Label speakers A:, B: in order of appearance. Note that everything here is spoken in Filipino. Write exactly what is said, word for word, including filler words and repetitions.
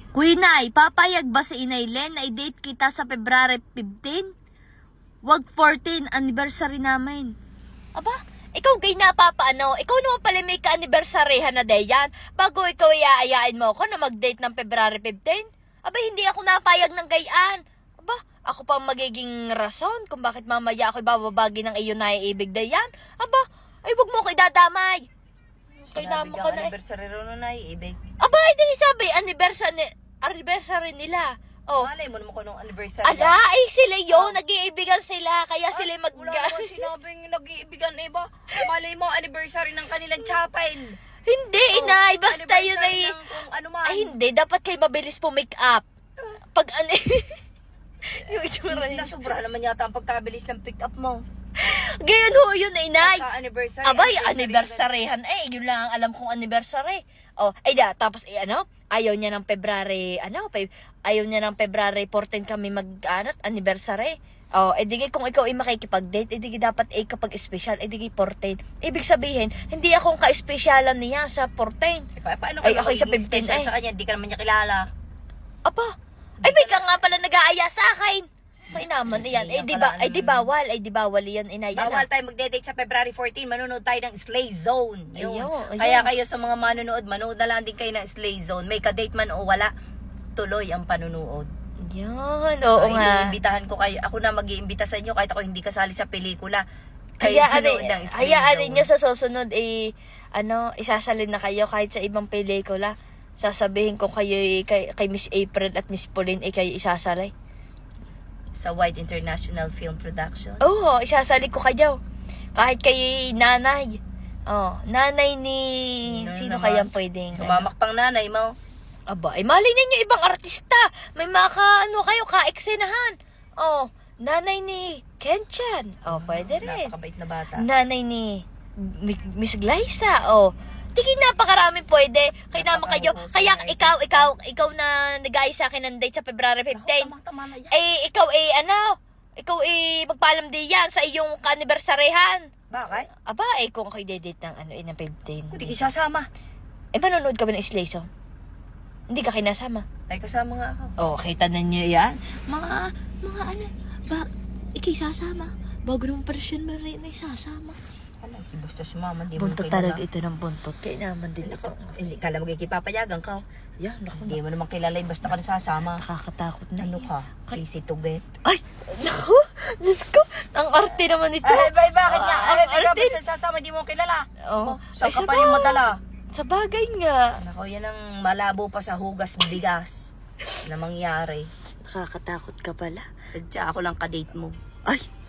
A: Kuinay, papayag ba si Inay Len na i-date kita sa February fifteen? Wag fourteen, anniversary namin. Aba, ikaw gay napapaano? Ikaw naman pala may ka-anniversaryhan na dayan. Bago ikaw iaayain mo ako na mag-date ng February fifteen? Aba, hindi ako napayag ng gayaan. Aba, ako pa magiging rason kung bakit mamaya ako ibababagi ng iyo na iibig dayan. Aba, ay wag mo ko idadamay. Kay naman ko na eh.
B: Anniversary ro na naiibig.
A: Aba, hindi sabi, anniversary, anniversary nila. Oh.
B: Malay mo naman ko nung anniversary.
A: Ala, ay sila yun, nag-iibigan sila, kaya sila mag...
B: Wala naman sinabing nag-iibigan na iba. Malay mo, anniversary ng kanilang chapel.
A: Hindi,
B: Oh,
A: inay, basta yun
B: anniversary
A: ay...
B: ng kung ano man.
A: Ay, hindi, dapat kayo mabilis po make up. Pag ano... yung itsura niya.
B: Nasobra naman yata ang pagkabilis ng pick up mo.
A: Gayon ho yun, inay.
B: Anniversary.
A: Abay, anniversaryhan eh. Yun lang ang alam kong anniversary. Oh, ay da, tapos eh, ano, ayaw niya ng February, ano, pe, ayaw niya ng February fourteen kami mag, ano, anniversary. Oh, eh di kung ikaw ay makikipag-date, eh di dapat eh kapag special, eh di fourteen. Ibig sabihin, hindi akong ka-specialan niya sa fourteen.
B: Eh, pa paano
A: Ay,
B: kayo
A: ako sa
B: magiging
A: fifteen
B: special
A: eh.
B: sa kanya? Hindi ka naman niya kilala.
A: Apa, ay may ka nga pala nag-aaya sa akin. Ay naman, yan.
B: Hindi
A: Eh
B: yan
A: di
B: pala,
A: ba, ay di bawal, ay di bawal yan, inay. yan,
B: Bawal
A: ah.
B: tayo magde-date sa February fourteen. Manonood tayo ng Slay Zone. Yun.
A: Ayun, ayun.
B: Kaya kayo sa mga manonood, manood na lang din kayo ng Slay Zone. May ka-date man o wala, tuloy ang panunood.
A: Yan, oo
B: Ay,
A: nga.
B: iimbitahan ko kayo. Ako na mag-iimbita sa inyo kahit ako hindi kasali sa pelikula.
A: Hayaan
B: manood ng Slay
A: hayaan
B: Zone.
A: ninyo sa susunod eh ano, isasalin na kayo kahit sa ibang pelikula. Sasabihin ko kayo eh, kay, kay Miss April at Miss Pauline eh kayo isasalay.
B: Sa Wide International Film Production.
A: Oo, isasali ko kayo. Kahit kay nanay. Oh, nanay ni
B: Ano
A: sino
B: naman?
A: kayang pwedeng ano?
B: Humamak pang nanay mo.
A: Aba, ay mali ninyo ibang artista. May mga ka, ano kayo, ka-eksenahan. Oh, nanay ni Kenchan. Oh, pwede rin.
B: Napakabait na bata.
A: Nanay ni Mi- Miss Glyza. Oh, tingin napakarami pwede. Kaya naman kayo.
B: Napakahusay
A: Kaya
B: na
A: ikaw, ikaw, ikaw na nag-aayos sa akin ng date sa February fifteen.
B: Ako, tama-tama na yan.
A: Eh, ikaw eh, ano? Ikaw eh, magpaalam din yan sa iyong kanibersaryhan.
B: Bakit?
A: Aba, eh, kung kayo date ng ano, eh, ng fifteen.
B: Hindi ka sasama.
A: Eh, manonood ka ba ng Slay Zone? Hindi ka kinasama.
B: Ay, kasama nga ako.
A: Oh, kita na niyo yan. Mga, mga ano, ba, ikay sasama. Bago naman pa siya na rin ay sasama.
B: Alam, basta sumama, di mo
A: Buntot
B: kilala.
A: talaga ito ng buntot. Kaya naman din ito.
B: Hindi, kala mo kikipapayagan ka.
A: Yan, naku,
B: Hindi mo naman kilala, eh, basta ka nasasama.
A: nakakatakot na.
B: Ano ka? Easy to get.
A: Ay, naku, Diyos ko, ang arte naman ito.
B: Ay, bay, bakit nga?
A: Ah,
B: Ay,
A: ang
B: ikaw
A: arte.
B: basta sasama, di mo kilala.
A: Oh,
B: Saan
A: ay,
B: ka pa
A: sabay.
B: rin madala?
A: Sa bagay nga.
B: Nako, yan ang malabo pa sa hugas bigas na mangyari.
A: Nakakatakot ka pala.
B: Sadya ako lang kadate mo.
A: Ay,